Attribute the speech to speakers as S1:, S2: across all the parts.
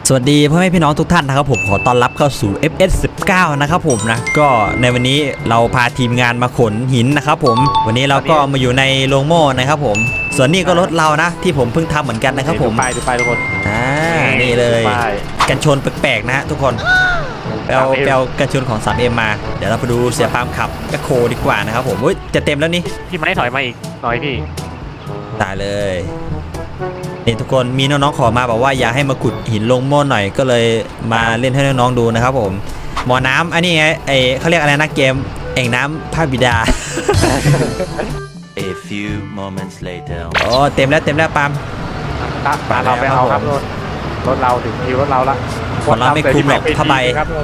S1: สวัสดีพ่อแม่พี่น้องทุกท่านนะครับผมขอต้อนรับเข้าสู่ FS19 นะครับผมนะก็ในวันนี้เราพาทีมงานมาขนหินนะครับผมวันนี้เราก็มาอยู่ในโรงโม่นะครับผมส่วนนี้ก็รถเรานะที่ผมเพิ่งทำเหมือนกันนะครับผม
S2: ดูไปทุกคน
S1: นี่เลยกันชนแปลกๆนะทุกคนแปลกันชนของ 3M มาเดี๋ยวเราไปดูเสียปามขับแมคโครดีกว่านะครับผมจะเต็มแล้วนี่
S2: พี่ไม่ถอยมาอีกหน่อยพี่
S1: ตายเลยนี่ทุกคนมีน้องๆขอมาบอกว่าอยากให้มาขุดหินลงโม่หน่อยก็เลยมาเล่นให้น้องๆดูนะครับผมหมอน้ำอันนี้ไงเขาเรียกอะไรนะเกมแอ่งน้ำพระบิดา
S3: A few moments later
S1: โอ้เต็มแล้วปาล์ม
S2: เราไปเอาครับรถเราถึงคิวรถเราละ
S1: ของเราไม่คุมหรอกผ้าใบ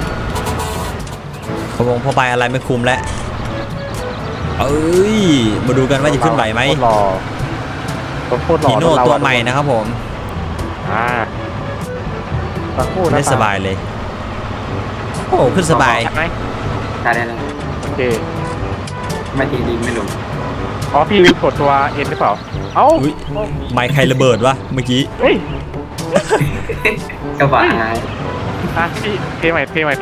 S1: พวงผ้าใบอะไรไม่คุมแล้วมาดูกันว่าจะขึ้นไหวไหมฮีโน่ตัวใหม่นะครับผมได้สบายเลยโอ้ขึ้นสบาย
S4: ได้แล้ว
S2: โอเค
S4: ไม่ทีดีไม่ลง
S2: อ๋อพี่ลืมกดตัวเอ็นหรือเปล่าเอ้า
S1: ไมค์ใครระเบิดวะเมื่อกี้
S4: กระบะ
S2: พี่เทใหม่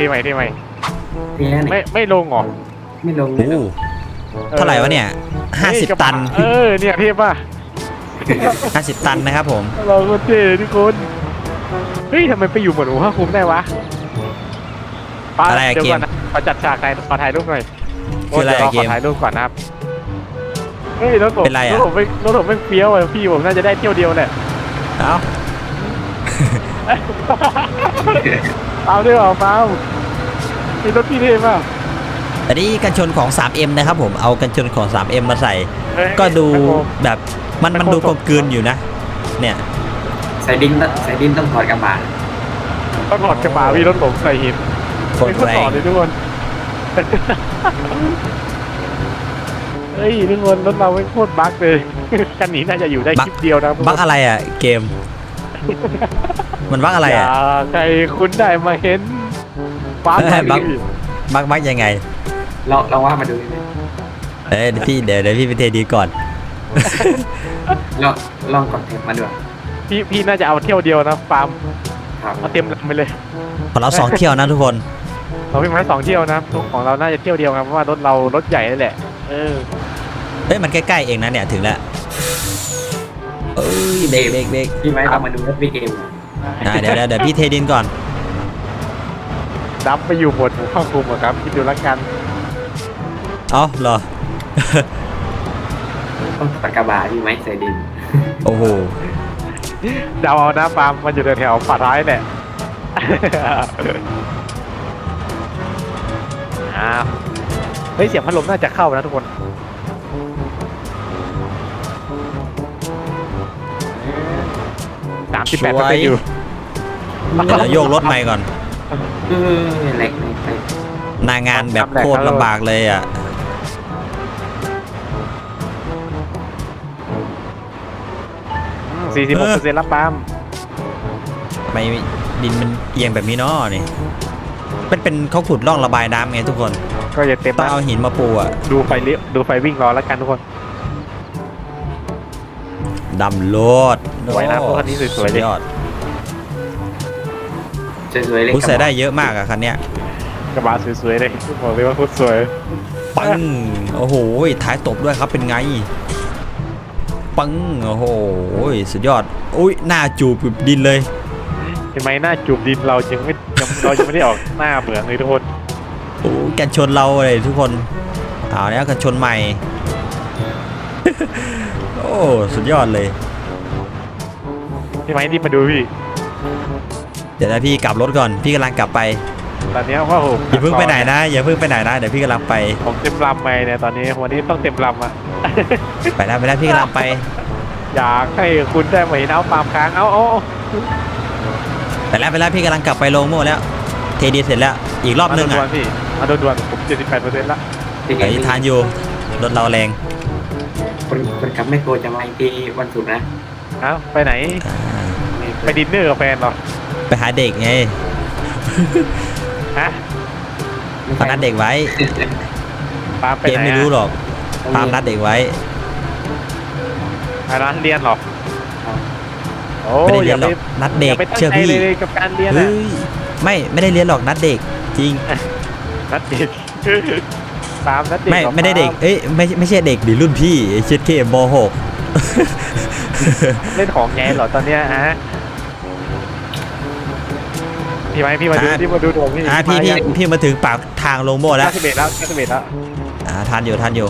S2: ไม่ลงหรอ
S4: ไม่ลง
S1: เท่าไหร่วะเนี่ย50 ตัน
S2: เนี่ยเทป่ะ
S1: 50 ตันนะครับผม
S2: เราก็เท่ทุกคนเฮ้ยทำไมไปอยู่เหมือนหัวคุ้มได้วะ
S1: อะไรเกม
S2: ขอจัดฉากไหนขอถ่ายรูปหน่อย
S1: คืออะไรเกม
S2: ถ่ายรูปก่อนนะครับเฮ้ยรถผมไม่เฟี้ยวพี่ผมน่าจะได้เที่ยวเดียวแหละเอาด้วยเปล่ามีรถพี่เท่ป่ะ
S1: อันนี้กันชนของ 3M นะครับผมเอากันชนของ 3M มาใส่ก็ดูแบบมันดูกลมกลืนอยู่นะเนี่ย
S4: ใส่ดินต้องถอดกระบะ
S2: ต้องถอดกระบะพี่รถผมใส่หินไม่ต้องถอดเลยทุกคนเฮ้ยทุกคนรถเราไม่โคตรบั๊กเลยคันนี้น่าจะอยู่ได้คลิปเดียวนะ
S1: บั๊กอะไรอ่ะเกมมันบั๊กอะไรอ่ะ
S2: ใครคุณได้มาเห็น
S1: บั๊กยังไง
S4: เราว่ามาดู
S1: เดี๋ยวพี่ไปเทดีก่อน
S4: ลองกดเทปมาด้วย
S2: พี่น่าจะเอาเที่ยวเดียวนะฟาร์มเอาเต็มลำไปเลย
S1: ของเรา2 เที่ยวนะทุกคน
S2: เราวิ่งมา2 เที่ยวนะของเราน่าจะเที่ยวเดียวครับเพราะว่ารถเรารถใหญ่นั่นแหละ
S1: มันใกล้ๆเองนะเนี่ยถึงแล้วเบรก
S4: พี่ไม้เอามาดูรถพี่เกม
S1: เดี๋ยวพี่เทดินก่อน
S2: ดับไปอยู่บนหมู่ข้าวคุมครับคิดดูละกัน
S1: เหรอ
S4: ต้องตัดกระบะพี่ไม้ใส่ดิน
S1: โอ้โห
S2: เดาเอานะปาล์มมันอยู่แถวฝาท้ายแหละเฮ้ยเสียงพัดลมน่าจะเข้านะทุกคน38%อยู่
S1: แล้วโยกรถใหม่ก่อน
S4: เล็ก
S1: หน้างานแบบโคตรลำบากเลยอ่ะ
S2: 46%รับปาล์ม
S1: ไม่ดินมันเอียงแบบนี้เนาะนี่เป็นเขาขุดร่องระบายน้ำไงทุกคน
S2: ก็จะเต็ม
S1: ต้องเอาหินมาปูอ่ะ
S2: ดูไฟวิ่งรอแล้วกันทุกคน
S1: ดำโลด
S2: สวยนะพวกคันนี้สวยๆเลย
S1: ยอด
S4: สวยๆเลย
S1: ใส่ได้เยอะมากอะคันเนี้ย
S2: กระบะสวยๆเลยบอกเลยว่าโคตรสวย
S1: ปังโอ้โหท้ายตบด้วยครับเป็นไงปังโอ้โหสุดยอดหน้าจูบดินเลย
S2: เห็นไหมหน้าจูบดินเรายังไม่ได้ออกหน้าเหมือนเลยทุกคน
S1: กันชนเราเลยทุกคนเอาเนี้ยกันชนใหม่โอ้สุดยอดเลย
S2: เห็นไหมนี่มาดูพี่
S1: เดี๋ยวพี่กลับรถก่อนพี่กำลังกลับไป
S2: ตอนนี้ว่าผม
S1: อย่าเพิ่งไปไหนนะเดี๋ยวพี่กำลังไป
S2: ผมเต็มลำไปเนี่ยตอนนี้วันนี้ต้องเต็มลำอ่ะ
S1: ไปได้พี่กำลังไป
S2: อยากให้คุณได้มาเห็นเอาปามค้างเอา
S1: ไปแล้วพี่กำลังกลับไปโลโม่แล้วเทดีเสร็จแล้วอีกรอบนึงอ่ะ
S2: พี่มาด่วนผม 78% ละ
S1: ไอ้ทานอยู่รถเราแรง
S4: คนขับไม่โกรธจะมาทีวันศุกร์นะ
S2: ไปไหนไปดินเนอร์กับแฟนหรอ
S1: ไปหาเด็กไงปานัดเด็กไว้เกมไม่รู้หรอกปานัดเด็กไว้
S2: ร้านเรียนหรอโอ้
S1: ไม่ได้
S2: อ
S1: เรีย
S2: ย่าน
S1: หร
S2: ไป
S1: อกนัดเด็
S2: อย่าก ไปตั้ง
S1: เชื่อ
S2: ใจ
S1: พี่
S2: เลยกับการเรียน
S1: เฮ้
S2: อะ
S1: ยไม่ได้เรียนหรอกนัดเด็กจริง
S2: นัดเด็กตามนัดเด็ก
S1: ไม่ได้เด็กเอ้ยไม่ใช่เด็กดิรุ่นพี่เช็ดเคมหก
S2: เล่นของแงเหรอตอนเนี้ยฮะพี่ไหมพี่มาดูที่มาดูโดมพี่
S1: พี่มาถึงปากทางลงโม่แล้ว
S2: 91แล้ว91แล้ว
S1: ทันอยู่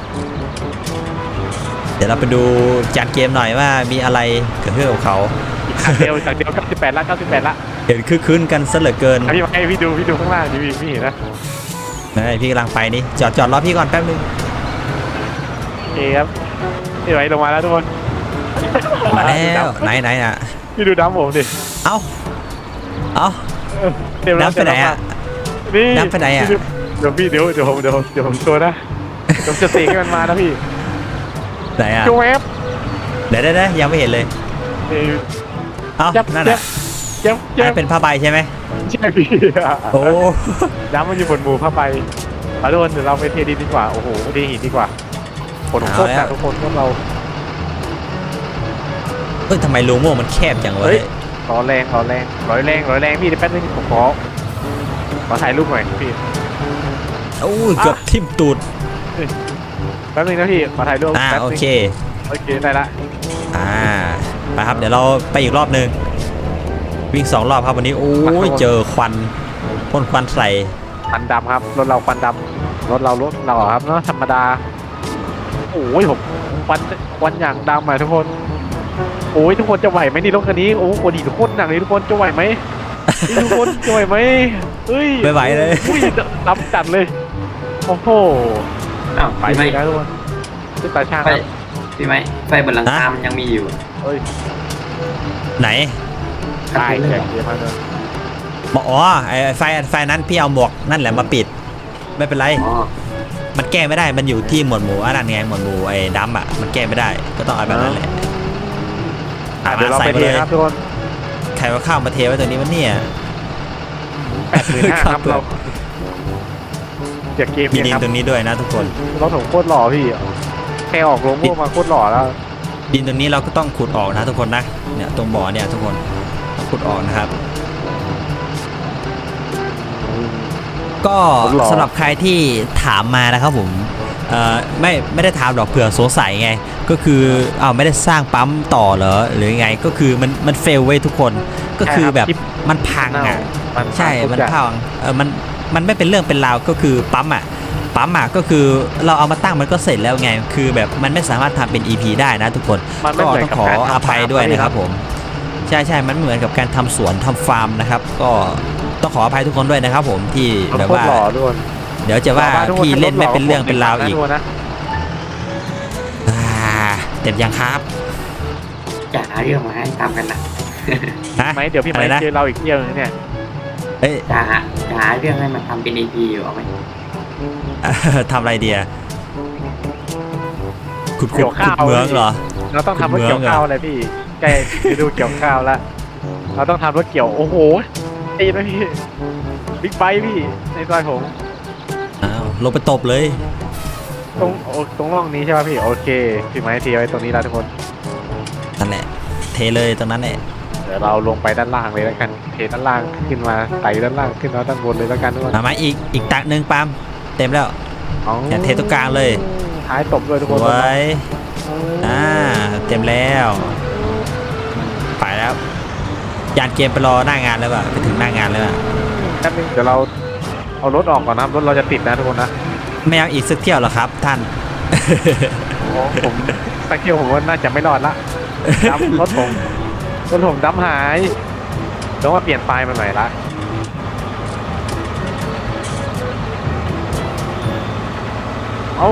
S1: เดี๋ยวเราไปดูจานเกมหน่อยว่ามีอะไรเกิดขึ้นกับเขา
S2: จากเดียว98ละ98ละ
S1: เห็นคึกคืนกันซะเหลือเกิน
S2: พี่ไหมพี่ดูข้างล่างดิพี่เห็นนะ
S1: พี่กำลังไปนี่จอดรอพี่ก่อนแป๊บนึง
S2: โอเคครับพี่ไหมลงมาแล้วทุกคน
S1: มาแล้วไหนอ่ะ
S2: พี่ดูดำผมดิ
S1: เอ้า
S2: เต็มแล้ว
S1: น้ำไปไหนอ่ะ
S2: นี่
S1: น้ำไปไหนอะ
S2: เดี๋ยวพี่เดี๋ยวผมโชว์นะผมจะเสกให้มันมานะพี่
S1: ไหนอ่ะ
S2: โชว์แอป
S1: เดี๋ยวยังไม่เห็นเลยเอ้า
S2: ยับ
S1: นั่น
S2: ยั
S1: อ่ะ
S2: บยับ
S1: อันนั้นเป็นผ้าใบใช่ไหม
S2: ใช่พี่
S1: โอ้
S2: ดำมันอยู่บนหมู่ผ้าใบเอาทุกคนเดี๋ยวเราไปเทดินดีกว่าโอ้โหเทหินดีกว่าผลของโคตรแต่ทุกคนพวกเรา
S1: เอ้ยทำไมโลโม่มันแคบจังวะ
S2: เฮ้ย ร้อยแรงพี่เดี๋ยวแป๊บนึงผมขอถ่ายรูปหน่อยพี่
S1: โอ้ยเกือบทิ่มตูด
S2: แป๊บนึงนะพี่ขอถ่ายรูปแป๊บนึง
S1: โอเค
S2: ได้ละ
S1: ไปครับเดี๋ยวเราไปอีกรอบหนึ่งวิ่ง2 รอบครับวันนี้โอ้ยเจอควันพ่นควันใส่
S2: ควันดำครับรถเราควันดำรถเราครับเนาะธรรมดาโอ้ยผมควันอย่างดำอ่ะทุกคนโอ้ยทุกคนจะไหวไหมนี่รถคันนี้โอ้โหดีทุกคนหนักเลยทุกคนจะไหวไหมทุกคนจะไหวไหมเฮ้ย
S1: ไม่ไหวเลย
S2: อุ้ยดำจัดเลยโอ้โห
S4: อ้าว
S2: ไป
S4: พี่
S2: เล
S4: ไม่
S2: ยนะทุกคนขึ้นตาช่าง
S4: ไฟ
S2: ครับ
S4: พี่ไม่ไฟบนหลังคามันยังมีอยู่
S2: เฮ้ย
S1: ไหน
S2: ตายแข่งเยอะมากเลย
S1: อ๋อไฟนั้นพี่เอาหมวกนั่นแหละมาปิด ไม่เป็นไร
S4: อ๋อ
S1: มันแก้ไม่ได้มันอยู่ที่หมวดหมู่อันนั้นไงหมวดหมู่ไอ้ดัมอ่ะมันแก้ไม่ได้ก็ต้องเอาแบบนั้นแหละ
S2: เดี๋ยวเรา
S1: ใส่
S2: ไป
S1: มา
S2: เท
S1: เลย
S2: ครับทุกคน
S1: ใครว่าข้าวมาเทไว้ตรงนี้วะเนี่ย
S2: 85,000ครับเราจากเกม
S1: มี
S2: เนี่ย
S1: ดิน
S2: ครับ
S1: ตรงนี้ด้วยนะทุกคน
S2: รถผมโคตรหล่อพี่แค่ออกโลโก้มาโคตรหล่อแล้ว
S1: ดินตรงนี้เราก็ต้องขุดออกนะทุกคนนะเนี่ยตรงบ่อเนี่ยทุกคนต้องขุดออกนะครับ ก็สำหรับใครที่ถามมานะครับผมไม่ได้ถามหรอกเผื่อสงสัยไงก็คือไม่ได้สร้างปั๊มต่อเหรอหรือไงก็คือมันเฟลไว้ทุกคนก็คือแบบมันพังอ่ะใช่มันพังมันไม่เป็นเรื่องเป็นราวก็คือปั๊มอ่ะก็คือเราเอามาตั้งมันก็เสร็จแล้วไงคือแบบมันไม่สามารถทำเป็น EP ได้นะทุกคนก็ต้องขออภัยด้วยนะครับผมใช่มันเหมือนกับการทำสวนทำฟาร์มนะครับก็ต้องขออภัยทุกคนด้วยนะครับผมที่แบบว่าเดี๋ยวจะว่าพี่เล่นไม่เป็นเรื่องเป็นราวอีกเต็มยังครับ
S4: จะหาเรื่องมาให้ทำกันนะ
S2: ไหมเดี๋ยวพี่ไม้เจอเราอีกเที่ยวนึงเนี่ย
S1: เฮ้ย
S4: จะหาเรื่องให้มันทำเป็น EP อยู่เอาไหม
S1: ทำอะไรเดียขุด
S2: เกี่ยวข้าว
S1: เมืองเหรอ
S2: เราต้องทำรถเกี่ยวข้าวอะไรพี่ใกล้จะดูเกี่ยวข้าวแล้วเราต้องทำรถเกี่ยวโอ้โหตีนะพี่บิ๊กไบค์พี่ในซอยผม
S1: ลงไปตบเลย
S2: ตรงร่องนี้ใช่ป่ะพี่โอเคพี่ไม้ทีไว้ตรงนี้แล้วทุกคน
S1: นั่นแหละเทเลยตรงนั้นแหละ
S2: เดี๋ยวเราลงไปด้านล่างเลยแล้วกันเทด้านล่างขึ้นมาไต่ด้านล่างขึ้นมาด้านบนเลยแล้วกันทุกคน
S1: มาอีกตักหนึ่งปาล์มเต็มแล้วอย่าเทตรงกลางเลย
S2: ท้ายตบด้วยทุกคน
S1: ไว้เต็มแล้วไปแล้วยานเกมไปรอหน้างานแล้วป่ะไปถึงหน้างานแล้วป่ะ
S2: แป๊บนึงเดี๋ยวเราเอารถออกก่อนนะรถเราจะติดนะทุกคนนะ
S1: ไม่เอาอีกสักเที่ยวหรอครับท่าน
S2: ผมสักเที่ยวผมว่าน่าจะไม่รอดละดำรถผมดำหายต้องมาเปลี่ยนไฟล์มาใหม่ละเอา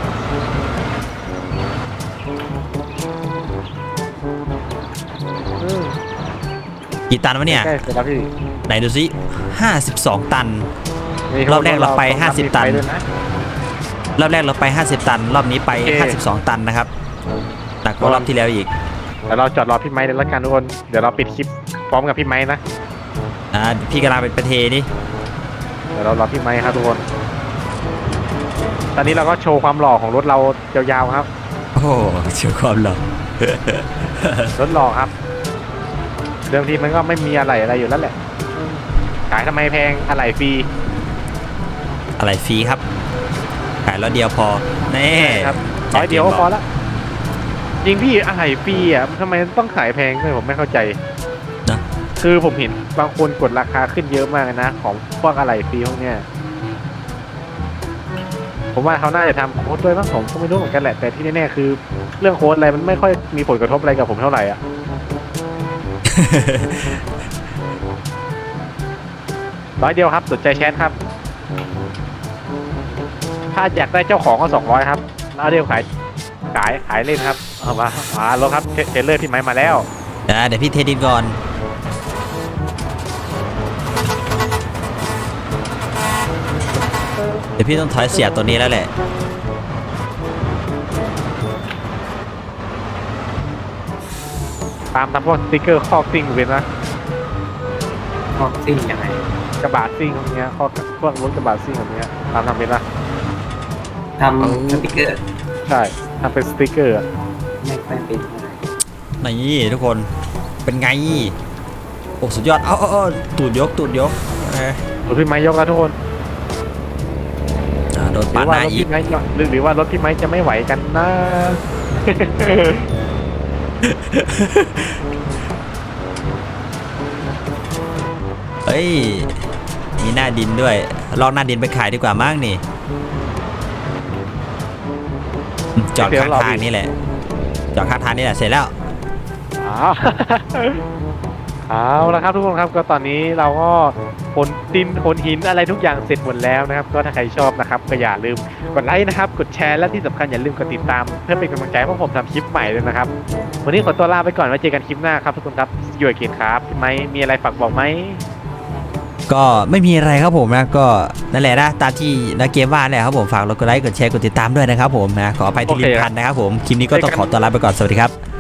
S1: กี่ตันวะเนี่ย
S2: ใกล้เสร็จแล้วพี่
S1: ไหนดูสิ52 ตัน รอบแรกเราไป50 ตัน รอบแรกเราไป 50 ตัน รอบนี้ไป 52 ตันนะครับหนักกว่ารอบที่แล้วอีก
S2: เดี๋ยวเราจอดรอพี่ไม้เลยละกันทุกคนเดี๋ยวเราปิดคลิปพร้อมกับพี่ไม้นะ
S1: พี่กำลังเป็นประเทนี่
S2: เดี๋ยวเรารอพี่ไม้ครับทุกคนตอนนี้เราก็โชว์ความหล่อของรถเรายาวๆครับ
S1: โอ้เชื่อความหรอ
S2: รถหล่อครับเดิมทีมันก็ไม่มีอะไรอยู่แล้วแหละขายทำไมแพงอะไรฟรี
S1: อะไรฟรีครับขายรถเดียวพอแน่
S2: ครับร้อยเดียวก็พอละจริงพี่อะไรฟรีอ่ะทำไมต้องขายแพงด้วยผมไม่เข้าใจ
S1: นะ
S2: คือผมเห็นบางคนกดราคาขึ้นเยอะมากนะของพวกอะไรฟรีพวกเนี้ยผมว่าเขาน่าจะทำโค้ดด้วยมั้งผมก็ไม่รู้เหมือนกันแหละแต่ที่แน่ๆคือเรื่องโค้ดอะไรมันไม่ค่อยมีผลกระทบอะไรกับผมเท่าไหร่อ่ะ ร้อยเดียวครับสนใจแชทครับ ถ้าอยากได้เจ้าของก็200ครับแล้วเดียวขายเล่นครับเอามาลงครับเทรลเลอร์พี่ไม้มาแล้ว
S1: เดี๋ยวพี่เทดินก่อนเดี๋ยวพี่ต้องถอยเสียตัวนี้แล้วแหละ
S2: ตามพวกสติ๊กเกอร์คอกซิ่งเป็นนะ
S4: ออกซิ่งยังไง
S2: กระบะซิ่งพวกเนี้ยพวกรถกระบะซิ่งแบบเนี้ยตามทำเป็นนะ
S4: ทำสติกเกอร์
S2: ใช่ทำเป็นสติ๊กเกอร์อะ
S4: ไม่ค่อยเป็นเท่าไหร่
S1: นี่ทุกคนเป็นไงโอ้สุดยอดเอาตูดยกเอ้ย
S2: รถพี่ไม้ยกแล้วทุกคน
S1: โดน
S2: ห
S1: ปา
S2: รื
S1: ด
S2: อ
S1: ห
S2: ว่า
S1: น้าร
S2: ถ
S1: อีก
S2: พี่ไม้หรือว่ารถพี่ไม้จะไม่ไหวกันนะ
S1: เฮ้ยมีหน้าดินด้วยลองหน้าดินไปขายดีกว่ามั้งนี่จอดข้างทางนี่แหละจอดข้างทางนี่แหละเสร็จแล้ว
S2: อ้าว เอาละครับทุกคนครับก็ตอนนี้เราก็ขนดินขนหินอะไรทุกอย่างเสร็จหมดแล้วนะครับก็ถ้าใครชอบนะครับก็อย่าลืมกดไลค์นะครับกดแชร์และที่สำคัญอย่าลืมกดติดตามเพื่อเป็นกำลังใจให้พวกผมทำคลิปใหม่ด้วยนะครับวันนี้ขอตัวลาไปก่อนไว้เจอกันคลิปหน้าครับทุกคนครับอยู่กับเกียรติครับพี่ไม้มีอะไรฝากบอกไหม
S1: ก็ไม่มีอะไรครับผมนะก็นั่นแหละนะตามที่นักเกมว่าแหละครับผมฝากกดไลค์กดแชร์กดติดตามด้วยนะครับผมนะขออภัยที่ลิ้นพันนะครับผมคลิปนี้ก็ต้องขอตัวลาไปก่อนสวัสดีครับ